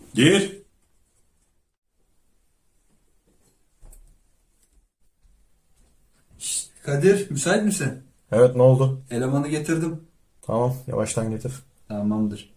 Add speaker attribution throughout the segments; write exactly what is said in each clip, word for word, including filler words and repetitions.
Speaker 1: Gir.
Speaker 2: Kadir, müsait misin?
Speaker 1: Evet, ne oldu?
Speaker 2: Elemanı getirdim.
Speaker 1: Tamam, yavaştan getir.
Speaker 2: Tamamdır.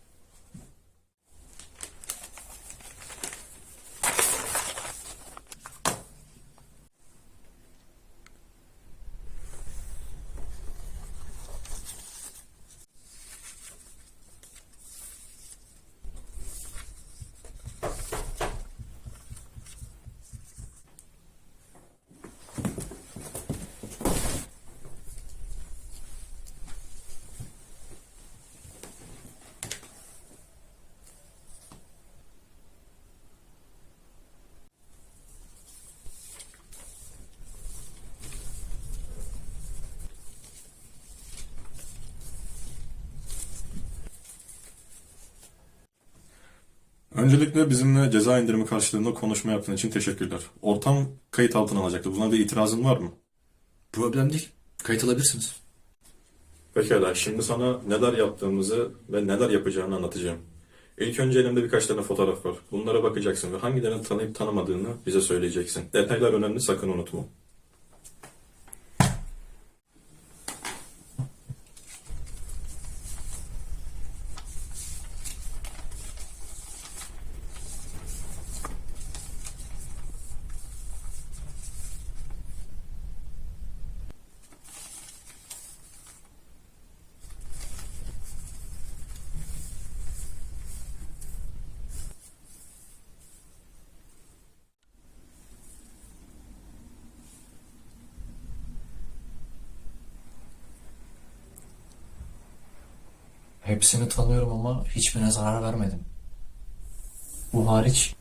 Speaker 1: Öncelikle bizimle ceza indirimi karşılığında konuşma yaptığın için teşekkürler. Ortam kayıt altına alacaktı. Buna bir itirazın var mı?
Speaker 3: Problem değil. Kayıt alabilirsiniz.
Speaker 1: Pekala, şimdi sana neler yaptığımızı ve neler yapacağını anlatacağım. İlk önce elimde birkaç tane fotoğraf var. Bunlara bakacaksın ve hangilerini tanıyıp tanımadığını bize söyleyeceksin. Detaylar önemli, sakın unutma.
Speaker 3: Hepsini tanıyorum ama hiçbirine zarar vermedim. Bu hariç.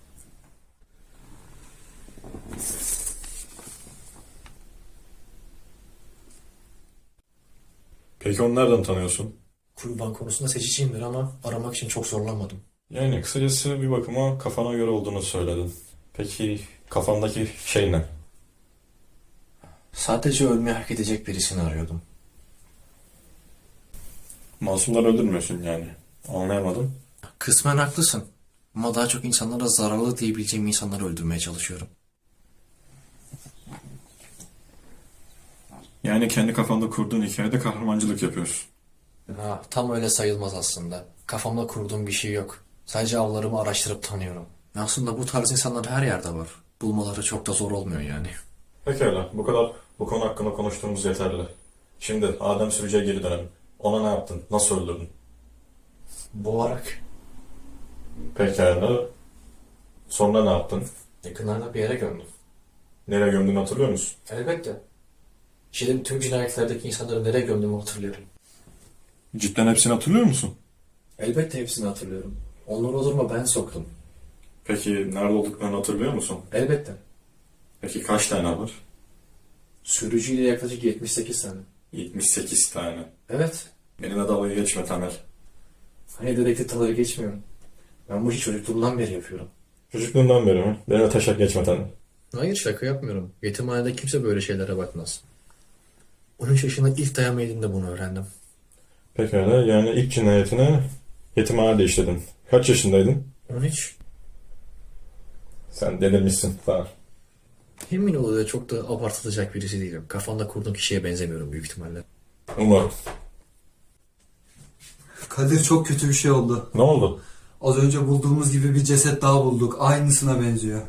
Speaker 1: Peki onu nereden tanıyorsun?
Speaker 3: Kurban konusunda seçiciyimdir ama aramak için çok zorlanmadım.
Speaker 1: Yani kısacası bir bakıma kafana göre olduğunu söyledin. Peki kafandaki şey ne?
Speaker 3: Sadece ölmeyi hak edecek birisini arıyordum.
Speaker 1: Masumları öldürmüyorsun yani. Anlayamadım.
Speaker 3: Kısmen haklısın. Ama daha çok insanlara zararlı diyebileceğim insanları öldürmeye çalışıyorum.
Speaker 1: Yani kendi kafanda kurduğun hikayede kahramancılık yapıyorsun.
Speaker 3: Ha, tam öyle sayılmaz aslında. Kafamda kurduğum bir şey yok. Sadece avlarımı araştırıp tanıyorum. Aslında bu tarz insanlar her yerde var. Bulmaları çok da zor olmuyor yani.
Speaker 1: Pekala, bu kadar bu konu hakkında konuştuğumuz yeterli. Şimdi Adem Sürücü'ye geri dönelim. Ona ne yaptın? Nasıl öldürdün?
Speaker 3: Boğarak.
Speaker 1: Pekala. Sonra ne yaptın?
Speaker 3: Yakınlarda bir yere gömdüm.
Speaker 1: Nereye gömdüğünü hatırlıyor musun?
Speaker 3: Elbette. İşlediğim tüm cinayetlerdeki insanları nereye gömdüğümü hatırlıyorum.
Speaker 1: Cidden hepsini hatırlıyor musun?
Speaker 3: Elbette hepsini hatırlıyorum. Onları o duruma ben soktum.
Speaker 1: Peki nerede olduklarını hatırlıyor musun?
Speaker 3: Elbette.
Speaker 1: Peki kaç tane var?
Speaker 3: Sürücüyle yaklaşık yetmiş sekiz tane.
Speaker 1: yetmiş sekiz tane.
Speaker 3: Evet.
Speaker 1: Benimle dalga geçme Tamer.
Speaker 3: Hani dedektif tavırı geçmiyorum. Ben bu işi çocukluğumdan beri yapıyorum.
Speaker 1: Çocukluğundan beri mi? Benimle taşak geçme Tamer.
Speaker 3: Hayır, şaka yapmıyorum. Yetimhanede kimse böyle şeylere bakmaz. on üç yaşında ilk dayama yediğimde bunu öğrendim.
Speaker 1: Pekala, yani ilk cinayetini yetimhanede işledin. Kaç yaşındaydın?
Speaker 3: on üç.
Speaker 1: Sen delirmişsin Tamer.
Speaker 3: Emin ol da çok da abartılacak birisi değilim. Kafanda kurduğum kişiye benzemiyorum büyük ihtimalle.
Speaker 1: Umarım.
Speaker 2: Kadir, çok kötü bir şey oldu.
Speaker 1: Ne oldu?
Speaker 2: Az önce bulduğumuz gibi bir ceset daha bulduk. Aynısına benziyor.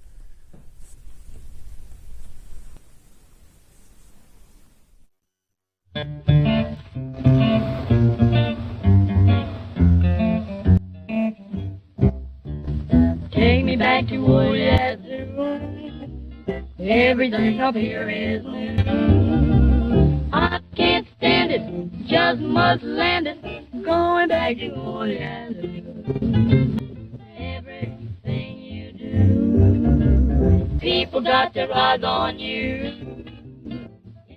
Speaker 4: Take me back to old Yazoo. Everything up here is new. I can't stand it, just must land it. Going back to old Yazoo. Everything you do, people got their eyes on you.